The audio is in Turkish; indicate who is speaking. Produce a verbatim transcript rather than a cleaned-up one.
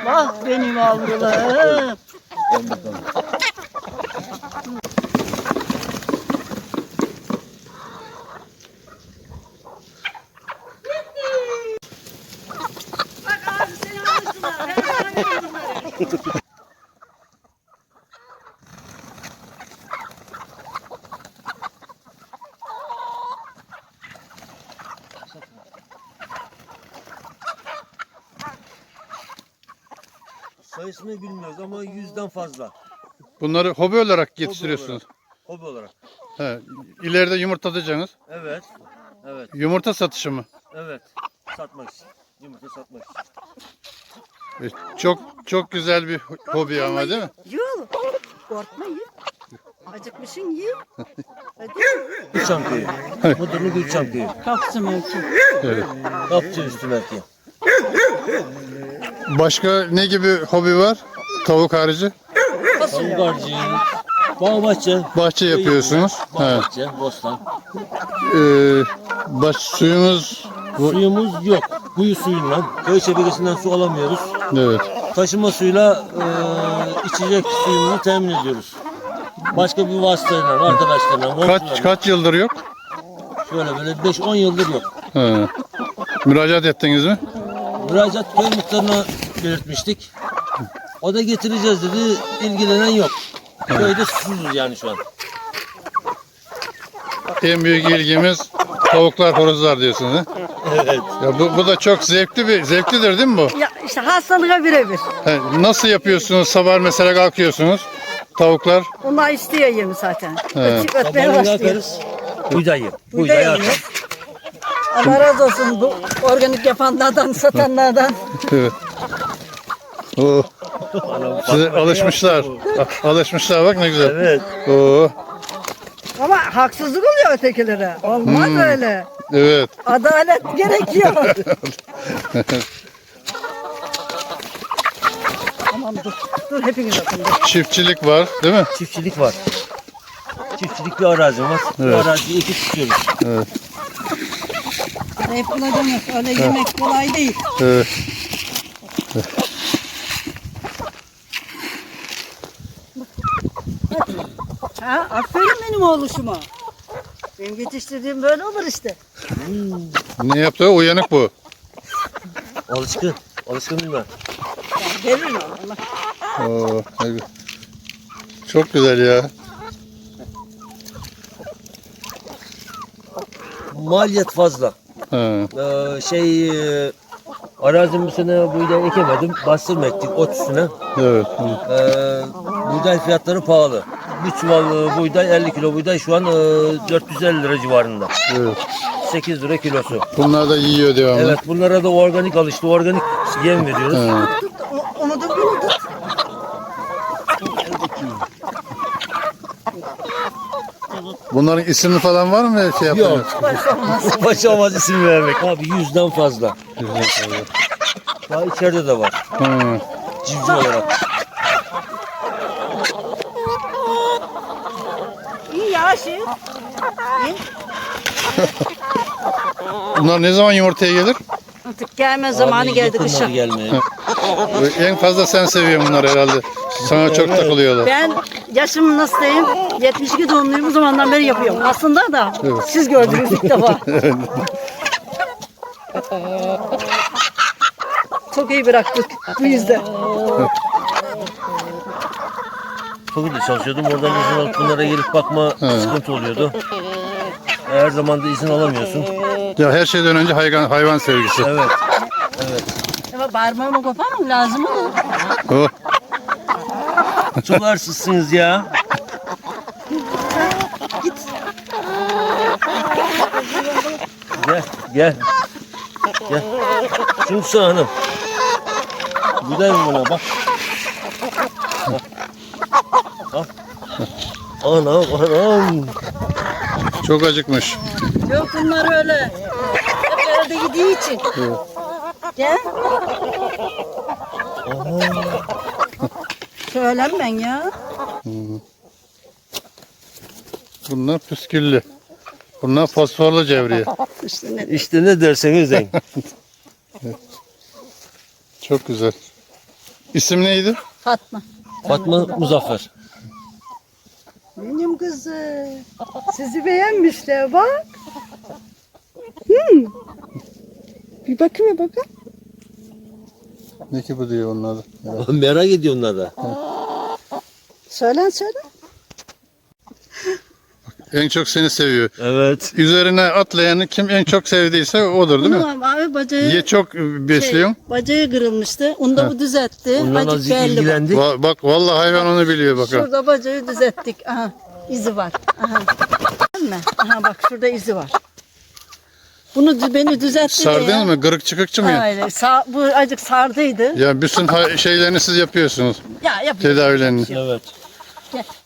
Speaker 1: Vah benim avrularım.
Speaker 2: Bak abi seni alıştılar. Her bunları.
Speaker 3: Sayısını bilmiyoruz ama yüzden fazla.
Speaker 4: Bunları hobi olarak yetiştiriyorsunuz.
Speaker 3: Hobi olarak.
Speaker 4: He, ileride yumurtlatacaksınız.
Speaker 3: Evet. Evet.
Speaker 4: Yumurta satışı mı?
Speaker 3: Evet. Satmak için. Yumurta satmak için.
Speaker 4: E, çok çok güzel bir hobi ama değil mi?
Speaker 1: Yok. Korkmayın. Acıkmışsın ye.
Speaker 3: Gülçam köyü. Mudurnu Gülçam köyü.
Speaker 1: Kapsın mevki.
Speaker 4: Evet.
Speaker 3: Kapçı üstü belki.
Speaker 4: Başka ne gibi hobi var? Tavuk harici?
Speaker 3: Tavuk harcı. Bağ bahçe.
Speaker 4: Bahçe yapıyorsunuz.
Speaker 3: Bağ
Speaker 4: He.
Speaker 3: bahçe. Bostan.
Speaker 4: Ee, baş suyumuz bu,
Speaker 3: Suyumuz yok. Kuyu suyundan. Köy şebekesinden su alamıyoruz.
Speaker 4: evet.
Speaker 3: Taşıma suyuyla e, içecek suyunu temin ediyoruz. Başka bir vasıtayla, arkadaşlarla,
Speaker 4: Kaç
Speaker 3: komşularla.
Speaker 4: kaç yıldır yok?
Speaker 3: Şöyle böyle beş on yıldır yok.
Speaker 4: He. Müracaat ettiniz mi?
Speaker 3: Müracaat köy muhtarına belirtmiştik. O da getireceğiz dedi. İlgilenen yok. Köyde susuzuz yani şu an.
Speaker 4: En büyük ilgimiz tavuklar, horozlar diyorsunuz. He?
Speaker 3: Evet.
Speaker 4: Ya bu, bu da çok zevkli bir zevklidir değil mi bu?
Speaker 1: Ya işte hastalığa birebir.
Speaker 4: He, nasıl yapıyorsunuz? Sabah mesela kalkıyorsunuz. Tavuklar.
Speaker 1: Onlar istiyor yemi zaten.
Speaker 4: He.
Speaker 1: Ötüp ötmeye
Speaker 3: Sabahleyin
Speaker 1: başlıyor.
Speaker 3: kalkarız. Buğdayı.
Speaker 1: Buğday
Speaker 3: Buğdayı
Speaker 1: yiyor.
Speaker 3: atarız.
Speaker 1: Allah razı olsun bu organik yapanlardan, satanlardan.
Speaker 4: Evet. Oo. Size alışmışlar. A- Alışmışlar bak ne güzel.
Speaker 3: Evet.
Speaker 4: Oo.
Speaker 1: Ama haksızlık oluyor ötekilere. Olmaz öyle.
Speaker 4: Evet.
Speaker 1: Adalet gerekiyor. Tamam dur. Dur hepiniz bakın. Dur.
Speaker 4: Çiftçilik var değil mi?
Speaker 3: Çiftçilik var. Çiftçilik bir arazim var.
Speaker 4: Evet.
Speaker 3: Bu araziyi ekip tutuyoruz.
Speaker 4: Evet.
Speaker 1: Hep buna demek. Öyle yemek kolay değil.
Speaker 4: Evet.
Speaker 1: Ha, aferin benim oğluşuma. Benim yetiştirdiğim böyle olur işte.
Speaker 4: Ne yaptı? Uyanık bu.
Speaker 3: Alışkın. Alışkınım ben.
Speaker 1: Yani veririm ona.
Speaker 4: Oo. ne gü- Çok güzel ya.
Speaker 3: Maliyet fazla.
Speaker 4: Ha.
Speaker 3: Ee, şey e, arazim bu sene buğday ekemedim. Bastırma ektik ot üstüne.
Speaker 4: Evet.
Speaker 3: Ee, buğday fiyatları pahalı. Bir çuval e, buğday elli kilo buğday şu an e, dört yüz elli lira civarında.
Speaker 4: Evet.
Speaker 3: sekiz lira kilosu.
Speaker 4: Bunlar da yiyor devamlı.
Speaker 3: Evet bunlara da organik alıştı. Organik yem veriyoruz.
Speaker 4: Ha.
Speaker 1: O- Onu da bunu tut.
Speaker 4: Bunların isimli falan var mı şey yaptınız?
Speaker 3: Yok. Başa olmaz isim vermek. Abi yüzden fazla.
Speaker 4: Güzel, güzel.
Speaker 3: Daha içeride de var.
Speaker 4: Ha.
Speaker 3: Civciv olarak.
Speaker 1: İyi ya şey.
Speaker 4: Bunlar ne zaman yumurtaya gelir?
Speaker 1: Artık gelme zamanı
Speaker 3: Abi,
Speaker 1: geldi
Speaker 3: yakınlar
Speaker 1: kışa.
Speaker 3: gelmeye.
Speaker 4: En fazla sen seviyorsun bunları herhalde. Sana çok takılıyorlar.
Speaker 1: Ben yaşım nasıl diyeyim? yetmiş iki doğumluyum, bu zamandan beri yapıyorum. Aslında da
Speaker 4: Evet.
Speaker 1: siz gördünüz ilk defa. Çok iyi bıraktık bu yüzden.
Speaker 3: Çok iyi çalışıyordum. Oradan izin alıp bunlara gelip bakma sıkıntı oluyordu. Her zaman da izin alamıyorsun.
Speaker 4: Ya her şeyden önce hayvan hayvan sevgisi.
Speaker 3: Evet. Evet.
Speaker 1: Ama parmağımı koparmam lazım mı?
Speaker 4: Oh.
Speaker 3: Çok arsızsınız ya. Gel, gel. Gel. Şunu hanım. Güzel mi buna bak. Bak. Bak. Anam, anam.
Speaker 4: Çok acıkmış.
Speaker 1: Yok bunlar öyle. Hep evde gidiği için. Gel. Söylerim ben ya.
Speaker 4: Bunlar püsküllü. Bunlar fosforlu cevriye.
Speaker 1: İşte ne
Speaker 3: İşte ne derseniz deyin.
Speaker 4: Çok güzel. İsim neydi?
Speaker 1: Fatma.
Speaker 3: Fatma Muzaffer.
Speaker 1: Benim kızım. Sizi beğenmişler bak. Hmm. Bir bakayım bir bakayım.
Speaker 4: Ne ki bu diyor onun adı. Ya.
Speaker 3: Merak ediyor onlar da.
Speaker 1: Söyle söyle.
Speaker 4: En çok seni seviyor.
Speaker 3: Evet.
Speaker 4: Üzerine atlayanı kim en çok sevdiyse odur değil mi?
Speaker 1: Bunu abi bacağı,
Speaker 4: Niye çok besliyorsun?
Speaker 1: şey, bacağı kırılmıştı. Onu da bu düzeltti.
Speaker 3: Ondan
Speaker 1: Acık
Speaker 3: azıcık
Speaker 1: belli bak.
Speaker 3: ilgilendik.
Speaker 4: Va- bak vallahi hayvan onu biliyor bak. ha.
Speaker 1: Şurada bacağı düzelttik. Aha izi var. Aha. Değil mi? Aha bak şurada izi var. Bunu dü- beni düzeltti de
Speaker 4: Sardınız
Speaker 1: ya.
Speaker 4: mı? Kırık çıkıkçı mı ya?
Speaker 1: Aynen. Sa- bu acık sardıydı.
Speaker 4: Ya bütün ha- şeylerini siz yapıyorsunuz.
Speaker 1: Ya yapıyoruz.
Speaker 4: Tedavilerini.
Speaker 3: Evet.
Speaker 1: Gel.